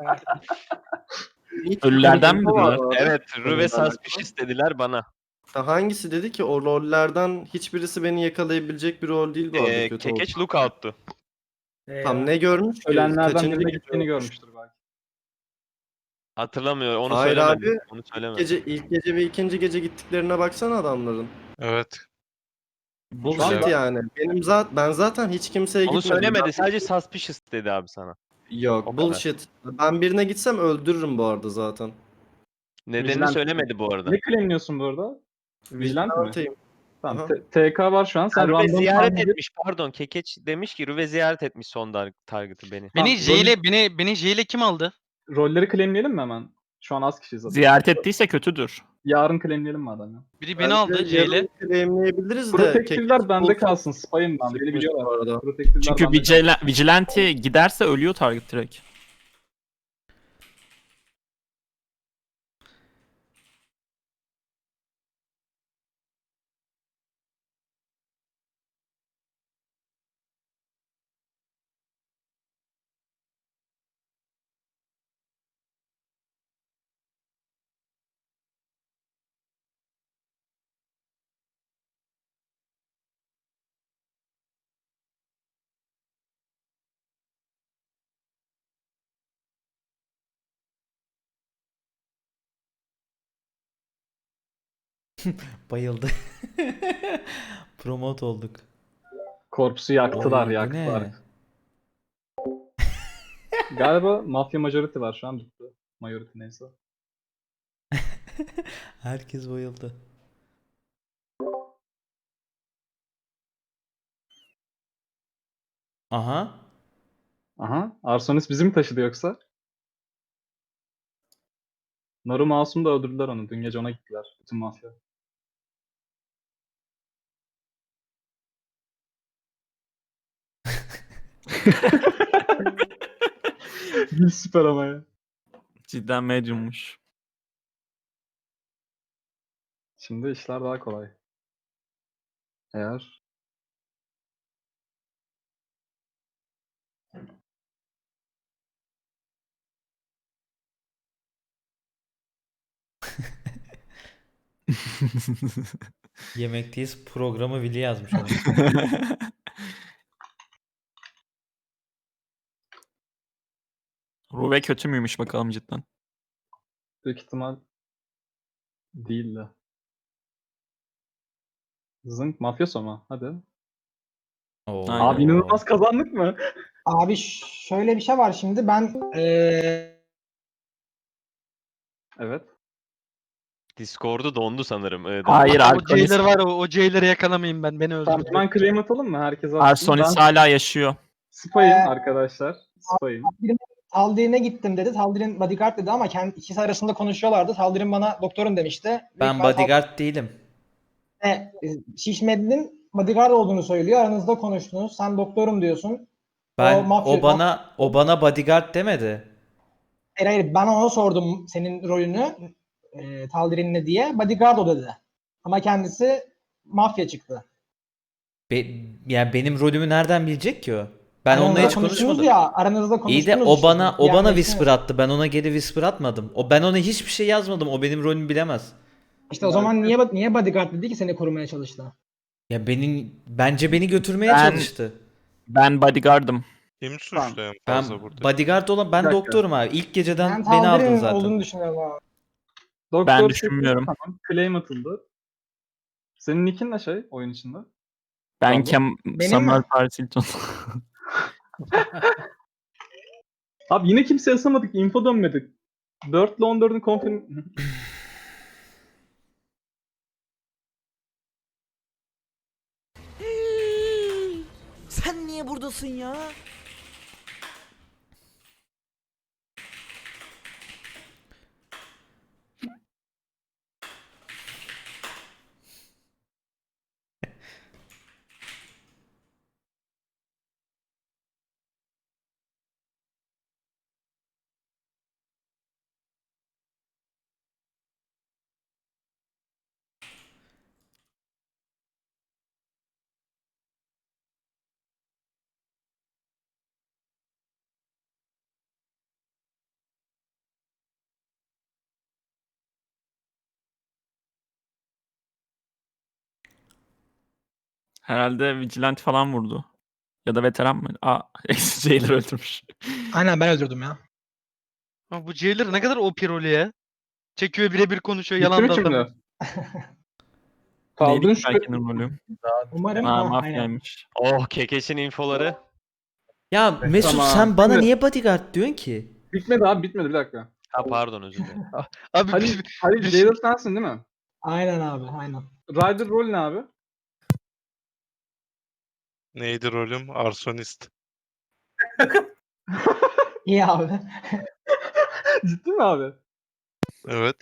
[SPEAKER 1] Ölülerden mi
[SPEAKER 11] Var
[SPEAKER 1] dediler?
[SPEAKER 11] abi.
[SPEAKER 2] Evet Ruve
[SPEAKER 11] Ölülerden
[SPEAKER 2] suspicious dediler bana.
[SPEAKER 11] Ha, hangisi dedi ki o rollerden hiçbirisi beni yakalayabilecek bir rol değil bu arada,
[SPEAKER 2] Ee,
[SPEAKER 11] kötü oldu.
[SPEAKER 2] Kekeç lookout'tu.
[SPEAKER 11] Tam ne görmüş ki?
[SPEAKER 10] Ölenlerden
[SPEAKER 11] Kaçıncı
[SPEAKER 10] birine
[SPEAKER 11] gece
[SPEAKER 10] gittiğini
[SPEAKER 11] görmüş?
[SPEAKER 10] görmüştür belki.
[SPEAKER 2] Hatırlamıyor onu
[SPEAKER 11] Hayır
[SPEAKER 2] söylemedim.
[SPEAKER 11] abi,
[SPEAKER 2] Onu
[SPEAKER 11] İlk
[SPEAKER 2] söylemedim.
[SPEAKER 11] gece, ilk gece ve ikinci gece gittiklerine baksana adamların.
[SPEAKER 7] Evet.
[SPEAKER 11] Bullshit yani. Benim zaten ben zaten hiç kimseye
[SPEAKER 2] Onu
[SPEAKER 11] gitmedim.
[SPEAKER 2] söylemedi. Sadece suspicious dedi abi sana.
[SPEAKER 11] Yok,
[SPEAKER 2] O kadar.
[SPEAKER 11] bullshit. Ben birine gitsem öldürürüm bu arada zaten.
[SPEAKER 2] Nedenini
[SPEAKER 10] Vigilante.
[SPEAKER 2] söylemedi bu arada.
[SPEAKER 10] Ne claimliyorsun bu arada? Vigilante mi?
[SPEAKER 11] Vigilanteyim.
[SPEAKER 10] Tamam.
[SPEAKER 11] Aha.
[SPEAKER 10] T- TK var şu an. Sen
[SPEAKER 2] Ha, Ruve
[SPEAKER 10] random
[SPEAKER 2] ziyaret
[SPEAKER 10] tahmin edip-
[SPEAKER 2] etmiş pardon. Kekeç demiş ki Ruve ziyaret etmiş son dar- target'ı beni.
[SPEAKER 10] Tamam,
[SPEAKER 13] Beni J ile beni beni J ile kim aldı?
[SPEAKER 10] rolleri claimleyelim mi hemen? Şu an az kişiyiz zaten.
[SPEAKER 1] Ziyaret ettiyse kötüdür.
[SPEAKER 10] Yarın claimleyelim mi adam ya?
[SPEAKER 13] Biri beni aldı J ile.
[SPEAKER 11] Claimleyebiliriz de.
[SPEAKER 10] Protective'ler bende
[SPEAKER 11] Kekeç
[SPEAKER 10] kalsın. Spy'ım ben. Beni
[SPEAKER 11] çıkmış
[SPEAKER 10] biliyorlar.
[SPEAKER 11] bu arada.
[SPEAKER 10] Protective'ler
[SPEAKER 1] Çünkü
[SPEAKER 10] bende kalsın.
[SPEAKER 1] vigila- vigilante giderse ölüyor target direkt.
[SPEAKER 8] Bayıldı. Promote olduk.
[SPEAKER 10] Korpsu yaktılar,
[SPEAKER 8] Oy, bu
[SPEAKER 10] yaktılar.
[SPEAKER 8] ne?
[SPEAKER 10] Galiba Mafya Majority var şu an bitti. Majority neyse.
[SPEAKER 8] Herkes bayıldı. Aha.
[SPEAKER 10] Aha. Arsonis bizi mi taşıdı yoksa? Naru Masum da öldürdüler onu. Dün gece ona gittiler. Bütün mafya. Gül süper ama ya.
[SPEAKER 1] Cidden mediummuş.
[SPEAKER 10] Şimdi işler daha kolay. Eğer
[SPEAKER 8] Yemekteyiz programı Vili yazmış adam.
[SPEAKER 1] Ruve kötü müymüş bakalım cidden.
[SPEAKER 10] büyük ihtimal değil de. Zınk mafyoso mu? Hadi.
[SPEAKER 8] Oo.
[SPEAKER 1] Aynen.
[SPEAKER 10] Abi inanılmaz kazandık mı?
[SPEAKER 12] Abi şöyle bir şey var şimdi ben eee
[SPEAKER 10] Evet.
[SPEAKER 2] Discord'u dondu sanırım. Ee,
[SPEAKER 1] Hayır
[SPEAKER 13] O
[SPEAKER 1] Arsonis,
[SPEAKER 13] Jailer var o, o Jailer'ı yakalamayın ben beni
[SPEAKER 10] Tamam
[SPEAKER 13] öldürdü.
[SPEAKER 10] hemen claim atalım mı? Herkes atsın.
[SPEAKER 1] Arsonis
[SPEAKER 10] Ben
[SPEAKER 1] hala yaşıyor.
[SPEAKER 10] spy'ım arkadaşlar. Spy'ım.
[SPEAKER 12] Taldir'ine gittim dedi. Taldir'in bodyguard dedi ama kendi ikisi arasında konuşuyorlardı. Taldir'in bana doktorun demişti. Büyük
[SPEAKER 8] Ben
[SPEAKER 12] ihtimal
[SPEAKER 8] bodyguard değilim.
[SPEAKER 12] Taldir'e, e, Şişmedi'nin bodyguard olduğunu söylüyor. Aranızda konuştunuz. Sen doktorum diyorsun.
[SPEAKER 8] Ben
[SPEAKER 12] O mafya-
[SPEAKER 8] o bana o bana bodyguard demedi.
[SPEAKER 12] Hayır hayır ben ona sordum senin rolünü e, Taldir'in ne diye. Bodyguard o dedi. Ama kendisi mafya çıktı.
[SPEAKER 8] Be, yani benim rolümü nereden bilecek ki o? Ben
[SPEAKER 12] Aranızda
[SPEAKER 8] onunla hiç
[SPEAKER 12] konuştunuz
[SPEAKER 8] konuşmadım.
[SPEAKER 12] Ya, aranızda konuştunuz
[SPEAKER 8] İyi de o
[SPEAKER 12] işte.
[SPEAKER 8] bana o
[SPEAKER 12] Yani
[SPEAKER 8] bana
[SPEAKER 12] işte-
[SPEAKER 8] whisper attı. Ben ona geri whisper atmadım. O ben ona hiçbir şey yazmadım. O benim rolümü bilemez.
[SPEAKER 12] İşte o zaman niye niye bodyguard dedi ki seni korumaya çalıştı?
[SPEAKER 8] Ya benim bence beni götürmeye
[SPEAKER 1] Ben-
[SPEAKER 8] çalıştı.
[SPEAKER 1] Ben bodyguard'ım.
[SPEAKER 7] Kim suçlu en
[SPEAKER 8] Ben
[SPEAKER 7] fazla burada?
[SPEAKER 8] bodyguard olan ben
[SPEAKER 10] Bir dakika.
[SPEAKER 8] doktorum abi. İlk geceden
[SPEAKER 12] Ben
[SPEAKER 8] beni aldın
[SPEAKER 12] Taldir'in
[SPEAKER 8] zaten.
[SPEAKER 12] olduğunu düşünüyorum abi.
[SPEAKER 10] Doktor
[SPEAKER 1] Ben
[SPEAKER 10] seçildi,
[SPEAKER 1] düşünmüyorum.
[SPEAKER 10] Tamam. Claim atıldı. Senin nickin ne şey oyun içinde?
[SPEAKER 1] Ben
[SPEAKER 10] Pardon.
[SPEAKER 1] Kem
[SPEAKER 12] Benim
[SPEAKER 1] Samuel
[SPEAKER 12] mi?
[SPEAKER 1] Paris Hilton.
[SPEAKER 10] Abi yine kimse yazamadık. Info dönmedik. dört ile on dördün confirm...
[SPEAKER 8] Sen niye buradasın ya?
[SPEAKER 1] Herhalde Vigilante falan vurdu. Ya da veteran mı? Aa, Jailer öldürmüş.
[SPEAKER 12] Aynen ben öldürdüm ya.
[SPEAKER 13] Ama bu Jailer ne kadar O P rolü ya. Çekiyor birebir konuşuyor
[SPEAKER 10] Bitti
[SPEAKER 13] yalan
[SPEAKER 10] mi
[SPEAKER 13] da
[SPEAKER 10] şimdi?
[SPEAKER 13] atamıyor.
[SPEAKER 10] Kaldın
[SPEAKER 1] Neydi
[SPEAKER 10] şu...
[SPEAKER 1] ki Berke'nin rolü?
[SPEAKER 12] Umarım
[SPEAKER 1] Aa,
[SPEAKER 12] ha, aynen.
[SPEAKER 1] mafyaymış.
[SPEAKER 2] Oh Kekeş'in infoları.
[SPEAKER 8] Ya Mesut
[SPEAKER 10] Tamam.
[SPEAKER 8] sen bana
[SPEAKER 10] Şimdi-
[SPEAKER 8] niye bodyguard diyorsun ki?
[SPEAKER 10] Bitmedi abi bitmedi bir dakika.
[SPEAKER 2] Ha pardon özür dilerim.
[SPEAKER 13] Abi
[SPEAKER 10] Hadi,
[SPEAKER 13] biz-
[SPEAKER 10] hadi
[SPEAKER 13] biz-
[SPEAKER 10] Jailer sensin değil mi?
[SPEAKER 12] Aynen abi aynen.
[SPEAKER 10] Rider rol ne abi?
[SPEAKER 7] Neydi rolüm? Arsonist.
[SPEAKER 12] İyi abi.
[SPEAKER 10] Ciddi mi abi?
[SPEAKER 7] Evet.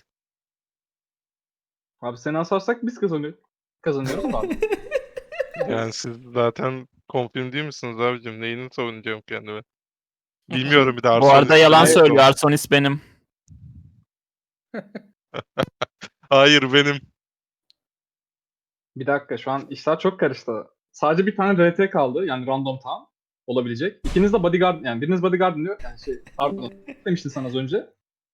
[SPEAKER 10] Abi seni asarsak biz kazanıyoruz. Kazanıyoruz abi.
[SPEAKER 7] Yani siz zaten confirm değil misiniz abicim? Neyini savunacağım kendime? Bilmiyorum bir de
[SPEAKER 1] Bu
[SPEAKER 7] Arsonist.
[SPEAKER 1] arada yalan
[SPEAKER 10] Hayır,
[SPEAKER 1] söylüyor. Arsonis benim.
[SPEAKER 7] Hayır benim.
[SPEAKER 10] Bir dakika şu an işler çok karıştı. Sadece bir tane R T kaldı yani random town olabilecek. İkiniz de bodyguard yani biriniz bodyguard diyor yani şey pardon demiştin sana az önce.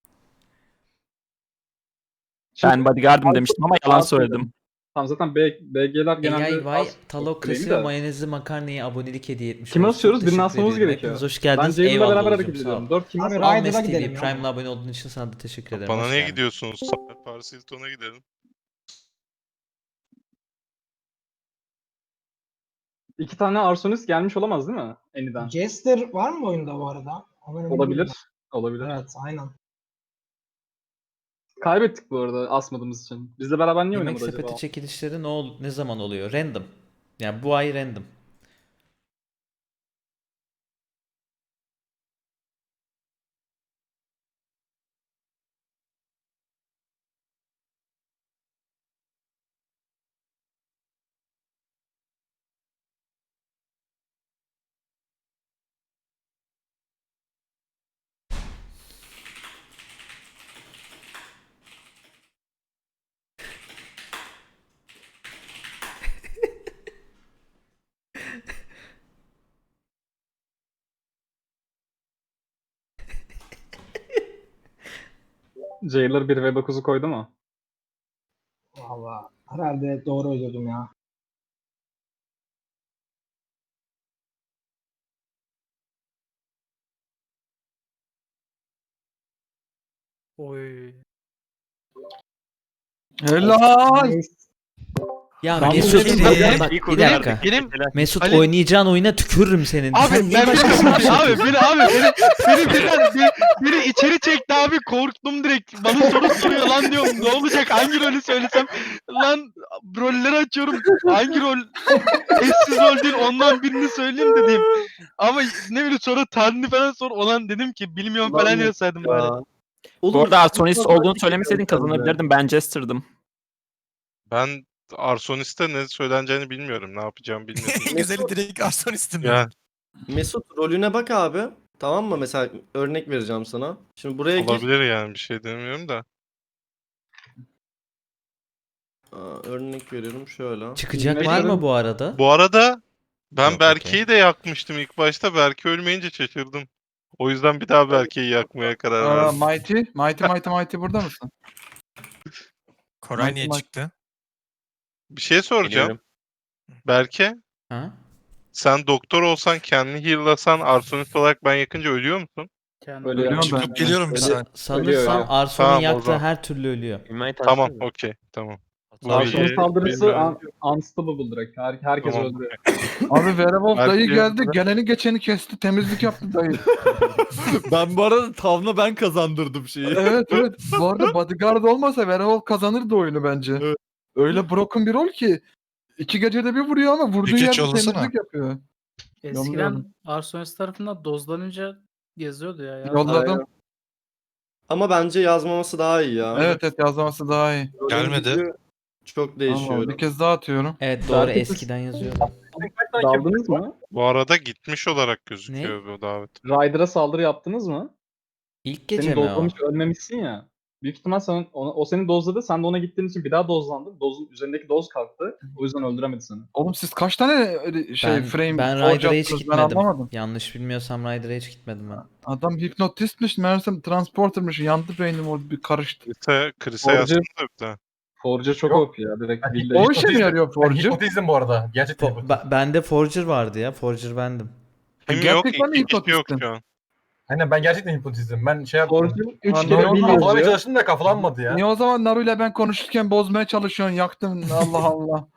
[SPEAKER 10] Şimdi-
[SPEAKER 1] Ben bodyguard'ım demiştim ama yalan
[SPEAKER 10] Arsonis
[SPEAKER 1] söyledim.
[SPEAKER 10] dedim. Tamam zaten B, BG'ler genelde
[SPEAKER 8] A I Vay,
[SPEAKER 10] az-
[SPEAKER 8] Talokrasi
[SPEAKER 10] claim'i
[SPEAKER 8] ve
[SPEAKER 10] de.
[SPEAKER 8] mayonezli makarnaya abonelik hediye etmiş.
[SPEAKER 10] Kime
[SPEAKER 8] olsun.
[SPEAKER 10] asıyoruz? Birini
[SPEAKER 8] Teşekkür
[SPEAKER 10] asmamız
[SPEAKER 8] ediyorum.
[SPEAKER 10] gerekiyor.
[SPEAKER 8] Hepiniz hoş
[SPEAKER 10] Ben
[SPEAKER 8] geldiniz.
[SPEAKER 10] Jailer'la
[SPEAKER 8] Eyvallah
[SPEAKER 10] beraber
[SPEAKER 8] Oğuz'um,
[SPEAKER 10] hareket
[SPEAKER 8] sağ ol.
[SPEAKER 10] ediyorum. dört kimiz?
[SPEAKER 12] Abi,
[SPEAKER 10] Abi,
[SPEAKER 12] Ryder'a
[SPEAKER 8] Ahmet T V
[SPEAKER 12] gidelim ya.
[SPEAKER 8] Prime'la abone olduğun için sana da teşekkür ederim.
[SPEAKER 7] Bana
[SPEAKER 8] hoş
[SPEAKER 7] niye
[SPEAKER 8] geldin.
[SPEAKER 7] gidiyorsunuz? Paris Hilton'a gidelim.
[SPEAKER 10] İki tane Arsonist gelmiş olamaz değil mi? Eniden.
[SPEAKER 12] Jester var mı oyunda bu arada? Onu emin
[SPEAKER 10] Olabilir.
[SPEAKER 12] değilim.
[SPEAKER 10] Olabilir.
[SPEAKER 12] Evet aynen.
[SPEAKER 10] Kaybettik bu arada asmadığımız için. Bizle beraber niye
[SPEAKER 8] Yemek
[SPEAKER 10] oynamadı
[SPEAKER 8] sepeti
[SPEAKER 10] acaba?
[SPEAKER 8] çekilişleri ne ol ne zaman oluyor? Random. Yani bu ay random.
[SPEAKER 10] Jailer bir ve dokuzu koydu mu?
[SPEAKER 12] Valla herhalde doğru öldürdüm ya.
[SPEAKER 3] Helal.
[SPEAKER 12] Neyse.
[SPEAKER 8] Ya
[SPEAKER 12] Ben
[SPEAKER 8] Mesut
[SPEAKER 12] bu-
[SPEAKER 8] bak,
[SPEAKER 5] Benim-
[SPEAKER 8] bak,
[SPEAKER 2] İyi
[SPEAKER 8] bir
[SPEAKER 2] kurtardık.
[SPEAKER 8] dakika.
[SPEAKER 5] Benim
[SPEAKER 8] Mesut
[SPEAKER 13] Ali-
[SPEAKER 8] oynayacağın oyuna tükürürüm senin.
[SPEAKER 13] Abi
[SPEAKER 8] Sen niye
[SPEAKER 13] ben
[SPEAKER 8] başkasına bir şey
[SPEAKER 13] abi
[SPEAKER 8] yapıyorsun?
[SPEAKER 13] beni abi beni beni birden bir, biri içeri çekti abi korktum direkt. Bana soru soruyor lan diyorum. Ne olacak? Hangi rolü söylesem? Lan rolleri açıyorum. Hangi rol eşsiz rol değil ondan birini söyleyeyim dedim. Ama ne bileyim sonra Tanrı falan sor olan dedim ki bilmiyorum
[SPEAKER 11] Lan
[SPEAKER 13] falan yazsaydım bari.
[SPEAKER 11] Ya.
[SPEAKER 1] Bu arada Arsonist
[SPEAKER 11] çok
[SPEAKER 1] olduğunu
[SPEAKER 11] mantıklı
[SPEAKER 1] söylemeseydin
[SPEAKER 11] geldi bence.
[SPEAKER 1] kazanabilirdim. Ben Jester'dım.
[SPEAKER 7] Ben Arsonist'e ne söyleneceğini bilmiyorum. Ne yapacağımı bilmiyorum.
[SPEAKER 6] En güzeli direkt Arsonis'tim.
[SPEAKER 7] yani
[SPEAKER 11] Mesut rolüne bak abi. Tamam mı? Mesela örnek vereceğim sana. Şimdi buraya gir.
[SPEAKER 7] olabilir yani bir şey demiyorum da.
[SPEAKER 11] Aa, örnek veriyorum şöyle.
[SPEAKER 8] Çıkacak
[SPEAKER 10] Mesut-
[SPEAKER 8] var mı bu arada?
[SPEAKER 7] Bu arada ben
[SPEAKER 8] Yok,
[SPEAKER 7] Berke'yi de yakmıştım ilk başta. Berke ölmeyince şaşırdım. O yüzden bir daha Berke'yi yakmaya karar
[SPEAKER 3] Aa,
[SPEAKER 7] verdim.
[SPEAKER 3] Mighty, Mighty, Mighty, Mighty burada mısın?
[SPEAKER 6] Koray niye
[SPEAKER 3] Maç-
[SPEAKER 6] çıktı?
[SPEAKER 7] Bir şey soracağım.
[SPEAKER 2] Geliyorum.
[SPEAKER 7] Berke,
[SPEAKER 8] Ha?
[SPEAKER 7] sen doktor olsan kendini heal'lasan Arsonist olarak ben yakınca ölüyor musun?
[SPEAKER 10] Ölüyor.
[SPEAKER 3] ben.
[SPEAKER 6] Çıkıp geliyorum bir
[SPEAKER 10] Öyle-
[SPEAKER 6] saniye.
[SPEAKER 8] Sanırsam
[SPEAKER 10] ölüyor.
[SPEAKER 8] Arson'un
[SPEAKER 7] Tamam, o
[SPEAKER 8] yaktığı
[SPEAKER 7] zaman.
[SPEAKER 8] her türlü ölüyor.
[SPEAKER 2] Invite
[SPEAKER 7] Tamam,
[SPEAKER 2] atsana.
[SPEAKER 7] okey, tamam.
[SPEAKER 10] Arson
[SPEAKER 7] iyi,
[SPEAKER 10] saldırısı
[SPEAKER 7] bilmiyorum.
[SPEAKER 10] un- unstoppable direkt. Her, herkes
[SPEAKER 7] Tamam.
[SPEAKER 10] öldürüyor.
[SPEAKER 3] Abi Werewolf
[SPEAKER 7] Belki-
[SPEAKER 3] dayı geldi. Geleni geçeni kesti. Temizlik yaptı dayı.
[SPEAKER 9] Ben bu arada Tavna ben kazandırdım şeyi.
[SPEAKER 3] Evet evet. Bu arada bodyguard olmasa Werewolf kazanırdı oyunu bence.
[SPEAKER 9] Evet.
[SPEAKER 3] Öyle broken bir rol ki iki gecede bir vuruyor ama vurduğu
[SPEAKER 6] Bir
[SPEAKER 3] yerde
[SPEAKER 6] geç yollasana.
[SPEAKER 3] temizlik yapıyor. Yolladım.
[SPEAKER 14] Eskiden Arsonist tarafından dozlanınca yazıyordu ya. ya.
[SPEAKER 3] Yolladım.
[SPEAKER 11] Ama bence yazmaması daha iyi ya.
[SPEAKER 3] Evet evet yazması daha iyi.
[SPEAKER 11] Rolün
[SPEAKER 6] Gelmedi.
[SPEAKER 11] gücü Çok değişiyor.
[SPEAKER 3] Allah, bir kez daha atıyorum.
[SPEAKER 8] Evet doğru
[SPEAKER 10] Belki-
[SPEAKER 8] eskiden yazıyor.
[SPEAKER 10] Daldınız mı?
[SPEAKER 7] Bu arada gitmiş olarak gözüküyor bu davet.
[SPEAKER 10] Ryder'a saldırı yaptınız mı?
[SPEAKER 8] İlk gece
[SPEAKER 10] Seni
[SPEAKER 8] mi o?
[SPEAKER 10] dozlamış ölmemişsin ya. Büyük ihtimal sen, ona, o seni dozladı. Sen de ona gittiğin için bir daha dozlandın. Dozun üzerindeki doz kalktı. O yüzden öldüremedi seni.
[SPEAKER 3] Oğlum siz kaç tane şey
[SPEAKER 8] Ben,
[SPEAKER 3] frame
[SPEAKER 8] ben
[SPEAKER 3] forge
[SPEAKER 8] Rider'a hiç
[SPEAKER 3] attınız?
[SPEAKER 8] gitmedim.
[SPEAKER 3] Ben anlamadım.
[SPEAKER 8] Yanlış bilmiyorsam Rider'a hiç gitmedim ben.
[SPEAKER 3] Adam hipnotistmiş, meğersem transportermış. Yandı beynim o bir karıştı.
[SPEAKER 7] Chris'e, Chris'e
[SPEAKER 10] Forger-
[SPEAKER 7] yazsın da bir de.
[SPEAKER 10] Forge çok
[SPEAKER 4] Yok.
[SPEAKER 10] O P ya. Direkt
[SPEAKER 4] Ben
[SPEAKER 10] billahi.
[SPEAKER 3] O işe mi yarıyor
[SPEAKER 4] Ben
[SPEAKER 3] Forger?
[SPEAKER 4] hipnotizm bu arada. Gerçekten
[SPEAKER 8] Fo-
[SPEAKER 4] hipnotizm.
[SPEAKER 8] ba- bende Forger vardı ya. Forger bendim.
[SPEAKER 7] Kim yok?
[SPEAKER 3] Gerçekten
[SPEAKER 7] İki kişi yok
[SPEAKER 3] hipnotistim.
[SPEAKER 7] şu an.
[SPEAKER 4] Aynen ben gerçekten hipnotizm. Ben şey yaptım.
[SPEAKER 10] Forge üç
[SPEAKER 3] Lan
[SPEAKER 10] kere
[SPEAKER 3] ne
[SPEAKER 10] bil
[SPEAKER 3] oldu?
[SPEAKER 4] Kafalamaya
[SPEAKER 10] yazıyor.
[SPEAKER 4] çalıştım da kafalanmadı ya.
[SPEAKER 3] Niye o zaman Naru'yla ben konuşurken bozmaya çalışıyorsun? Yaktın. Allah Allah.